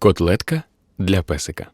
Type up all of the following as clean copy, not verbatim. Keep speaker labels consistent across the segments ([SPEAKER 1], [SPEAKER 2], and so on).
[SPEAKER 1] Котлетка для песика.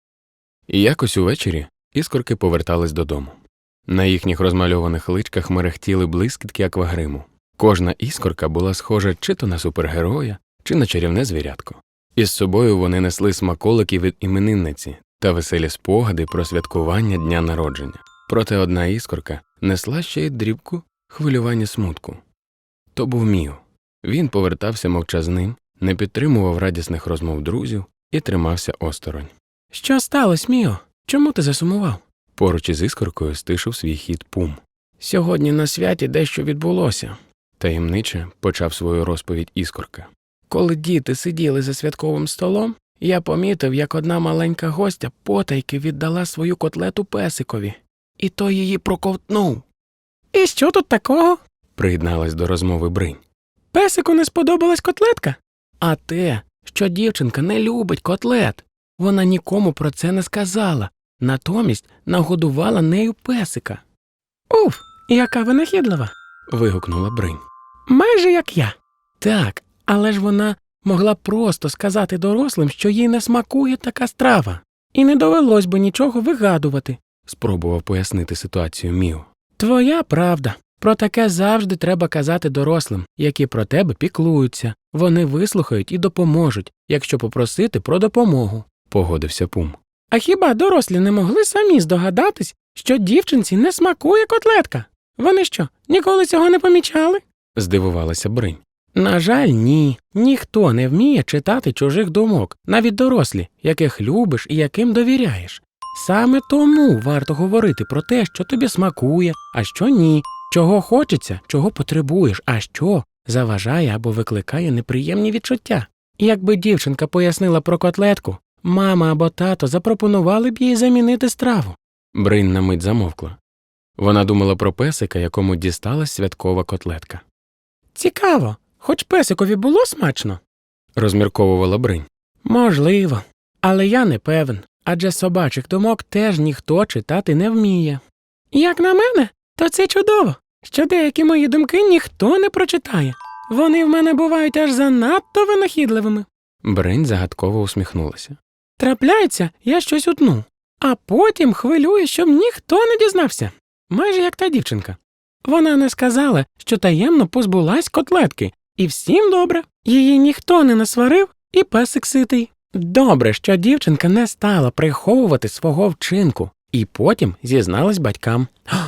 [SPEAKER 1] І якось увечері іскорки повертались додому. На їхніх розмальованих личках мерехтіли блискітки аквагриму. Кожна іскорка була схожа чи то на супергероя, чи на чарівне звірятко. Із собою вони несли смаколики від іменинниці та веселі спогади про святкування дня народження. Проте одна іскорка несла ще й дрібку хвилювання смутку. То був Міо. Він повертався мовчазним, не підтримував радісних розмов друзів і тримався осторонь. «Що сталося, Міо? Чому ти засумував?» Поруч із іскоркою стишив свій хід Пум. «Сьогодні на святі дещо відбулося», – таємниче почав свою розповідь іскорка. «Коли діти сиділи за святковим столом, я помітив, як одна маленька гостя потайки віддала свою котлету песикові, і той її проковтнув». «І що тут такого?» – приєдналась до розмови Бринь. «Песику не сподобалась котлетка?» «А те, що дівчинка не любить котлет. Вона нікому про це не сказала, натомість нагодувала нею песика». «Уф, яка винахідлива!» – вигукнула Бринь. «Майже як я». «Так, але ж вона могла просто сказати дорослим, що їй не смакує така страва. І не довелось би нічого вигадувати», – спробував пояснити ситуацію Міо. «Твоя правда. Про таке завжди треба казати дорослим, які про тебе піклуються. Вони вислухають і допоможуть, якщо попросити про допомогу», – погодився Пум. «А хіба дорослі не могли самі здогадатись, що дівчинці не смакує котлетка? Вони що, ніколи цього не помічали?» – здивувалася Бринь. «На жаль, ні. Ніхто не вміє читати чужих думок, навіть дорослі, яких любиш і яким довіряєш. Саме тому варто говорити про те, що тобі смакує, а що ні, чого хочеться, чого потребуєш, а що заважає або викликає неприємні відчуття. Якби дівчинка пояснила про котлетку, мама або тато запропонували б їй замінити страву». Бринь на мить замовкла. Вона думала про песика, якому дісталась святкова котлетка. «Цікаво, хоч песикові було смачно?» – розмірковувала Бринь. «Можливо, але я не певен, адже собачих думок теж ніхто читати не вміє. Як на мене, то це чудово, що деякі мої думки ніхто не прочитає. Вони в мене бувають аж занадто винахідливими». Бринь загадково усміхнулася. «Трапляється, я щось утну, а потім хвилюю, щоб ніхто не дізнався. Майже як та дівчинка. Вона не сказала, що таємно позбулась котлетки, і всім добре. Її ніхто не насварив, і песик ситий. Добре, що дівчинка не стала приховувати свого вчинку, і потім зізналась батькам.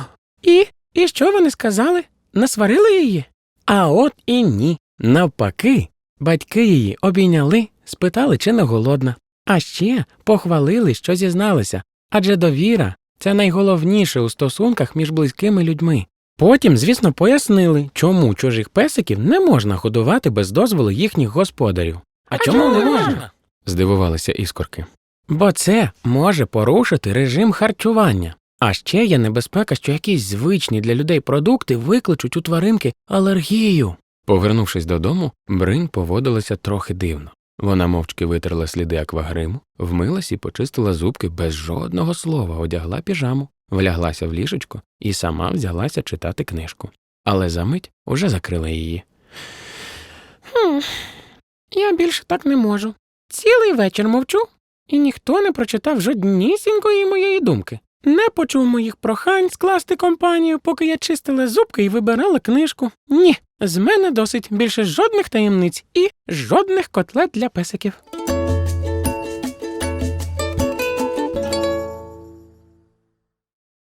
[SPEAKER 1] І що вони сказали? Насварили її? А от і ні. Навпаки, батьки її обійняли, спитали, чи не голодна. А ще похвалили, що зізналися, адже довіра – це найголовніше у стосунках між близькими людьми. Потім, звісно, пояснили, чому чужих песиків не можна годувати без дозволу їхніх господарів. «А чому не можна?» – здивувалися іскорки. «Бо це може порушити режим харчування. А ще є небезпека, що якісь звичні для людей продукти викличуть у тваринки алергію». Повернувшись додому, Бринь поводилася трохи дивно. Вона мовчки витерла сліди аквагриму, вмилась і почистила зубки без жодного слова, одягла піжаму, вляглася в ліжечко і сама взялася читати книжку. Але за мить уже закрила її. Я більше так не можу. Цілий вечір мовчу, і ніхто не прочитав жоднісінької моєї думки. Не почув моїх прохань скласти компанію, поки я чистила зубки і вибирала книжку. Ні, з мене досить більше жодних таємниць і жодних котлет для песиків».